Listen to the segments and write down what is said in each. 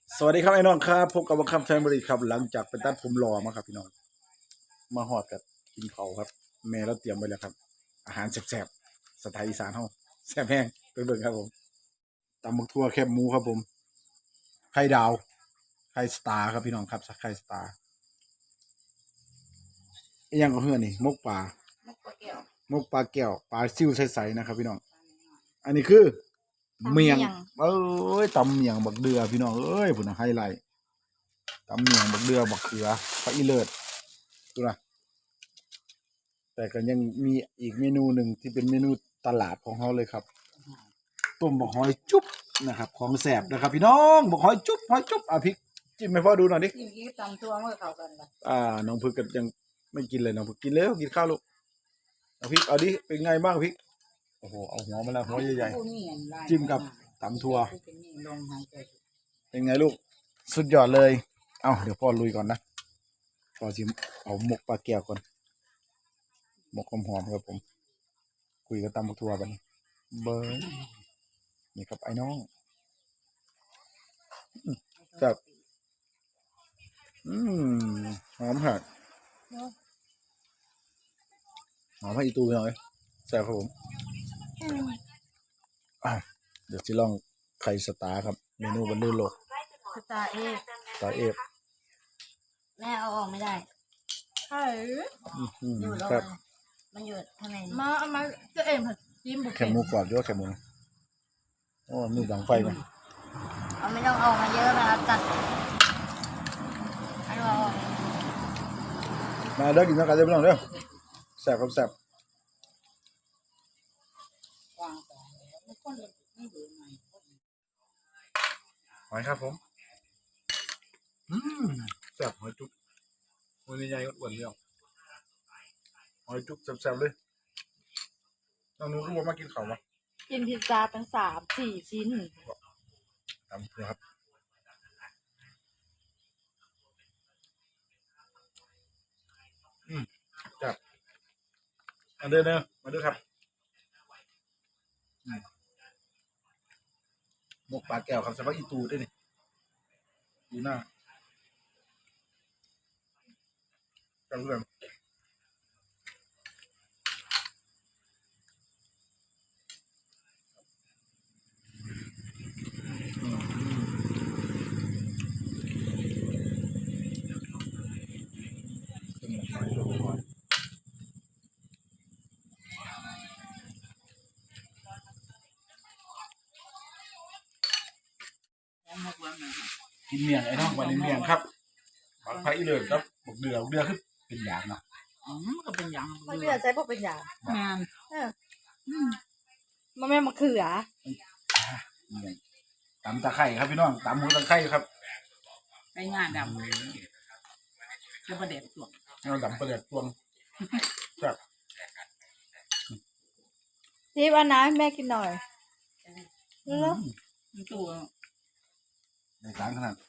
สวัสดีครับไอ้น้องครับพบกับวัคคัมแฟมิลี่ครับหลังจากไปตัดผมรอมาครับพี่น้องมาหอดกับกินเขาครับแม่เราเตรียมไว้แล้วครับอาหารแซ่บๆสไตล์อีสานเฮาแซ่บแห้งไปเบิ่งครับผมตำบักทั่วแคบหมูครับผมไข่ดาวไข่สตาร์ครับพี่น้องครับไข่สตาร์อีหยังก็เฮือนี่มกปลามกปลาแก้วมกปลาแก้วปลาซิวใสๆนะครับพี่น้องอันนี้คือเมียงเอ้ยตำเมียงบักเดือพี่น้องเอ้ยพุ่นน่ะไฮไลท์ตำเมียงบักเดือบักเขือปลาอีเลิศดูนะแต่ก็ยังมีอีกเมนูหนึ่งที่เป็นเมนูตลาดของเขาเลยครับต้มบักหอยจุ๊บนะครับของแสบนะครับพี่น้องบักหอยจุ๊บหอยจุ๊บพริกจิ้มให้พ่อดูหน่อยดิกินกี้ตำตัวเมื่อเข้ากันละน้องพึกก็ยังไม่กินเลยน้องพึกกินแล้วกินข้าวลูกเอาพริกเอาดิเป็นไงบ้างพริกโอ้โหเอาหัวมาแล้วหัวใหญ่ๆจิ้มกับตำถั่วเป็นไงลูกสุดยอดเลยเดี๋ยวพ่อลุยก่อนนะพ่อชิมเอาหมกปลาแก้วก่อนหมกหอมๆครับผมคุยกับตำบักถั่วไปเบอร์นี่ครับไอ้น้องแบบหอมหักหอมให้อีตูหน่อยแซ่บครับผมเดี๋ยวจะลองไข่สตาร์ครับเมนูบรรลือโลกสตาร์เอฟสตาร์เอฟแม่เอาออกไม่ได้ใช่อยู่แล้วครับมันอยู่ทำไมมาเอามาก็เอ็มจิ้มบุกแค่หมูกรอบเยอะแค่หมูโอ้มือดังไฟกันเอาไม่ต้องเอามาเยอะนะครับตัดให้เรามาเด้อกินกันเด้อพี่น้องเด้อแซ่บครับแซ่บหอยครับผมแซ่บหอยจุ๊บมือใหญ่ๆอ้วนๆเลยหอยจุ๊บแซ่บๆเลยน้องหนูก็บอกมากินข้าวมากินพิซซ่าตั้ง3-4 ชิ้นตามครับจับมาเด้อเนอะมาเด้อครับหมกปลาแก้วครับสำหรับอีตูด้วยนี่ดูหน้าจังเรื่องกินเมียงไอ้น้องวันนี้เมียงครับผักไผ่อีเลิศครับบักเดือคือเป็นอย่างนะก็เป็นอย่างมันเลือใช้พวกเป็นอย่างงานมันไม่มาเขือตำตะไคร้ครับพี่น้องตำหมูตะไคร้ครับไอ้งานดำจะประเด็ดตัวเราดำประเด็ดตวงครับจีบอันนะแม่กินหน่อยแล้วตัวในร้านขนาด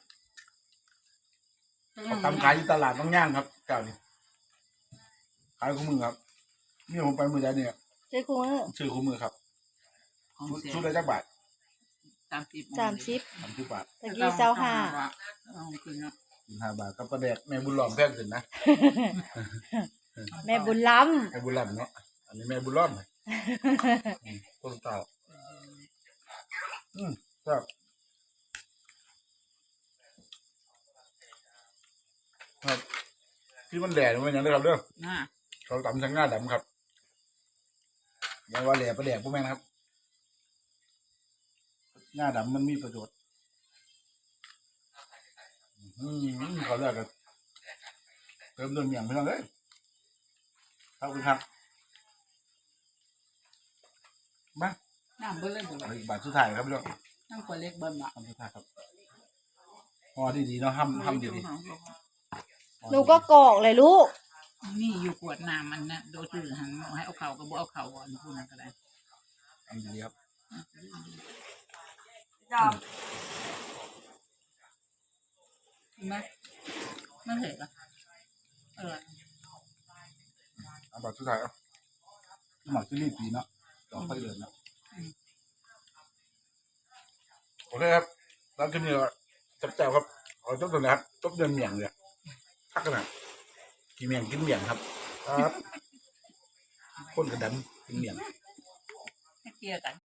เขาทำขายอยู่ตลาดบางย่างครับเจ้านี่ขายคู่มือครับนี่ผมไปมือใดเนี่ยชื่อคู่มือครับชุดละจักบาท 30 บาทตะกี้ 25 บาทก็ประเด็ดแม่บุญหลอมแพงขึ้นนะแม่บุญล้ำแม่บุญหลอมเนาะอันนี้แม่บุญหลอมต้นเต่าครับครับที่มันแหล่มันอย่างนี้ครับเด้อเขาตำทั้งหน้าดำครับอย่าว่าแหล่ประแดกพวกแม่นะครับหน้าดำมันมีประโยชน์เขาเรียกกันเติมเมียงไปแล้วเลยครับคุณครับมาน้ำเบิ้ลเลยอีกบาทสุดท้ายครับพี่น้องน้ำขวดเล็กเบิ้ลอ่ะสุดท้ายครับพอดีๆเนาะห้ำดีหนูก็กอกเลยลูกนี่อยู่ขวดน้ำมันนะโดยจืดหันให้เอาเข่าก็บ่เอาเข่าอ่อนพูดนั่นก็ได้อันนี้ครับไม่เห็นอ่ะบาทสุดท้ายหมักที่รีบปีเนาะต้องไปเดินเนาะโอเคครับแล้วขึ้นนี่แซ่บๆครับเอาต้มตัวนะครับต้มเดือนเมียงเลยทักขนาดกินเมียงกินเมียงครับครับคนกระดันกินเมียงให้เกลียกัน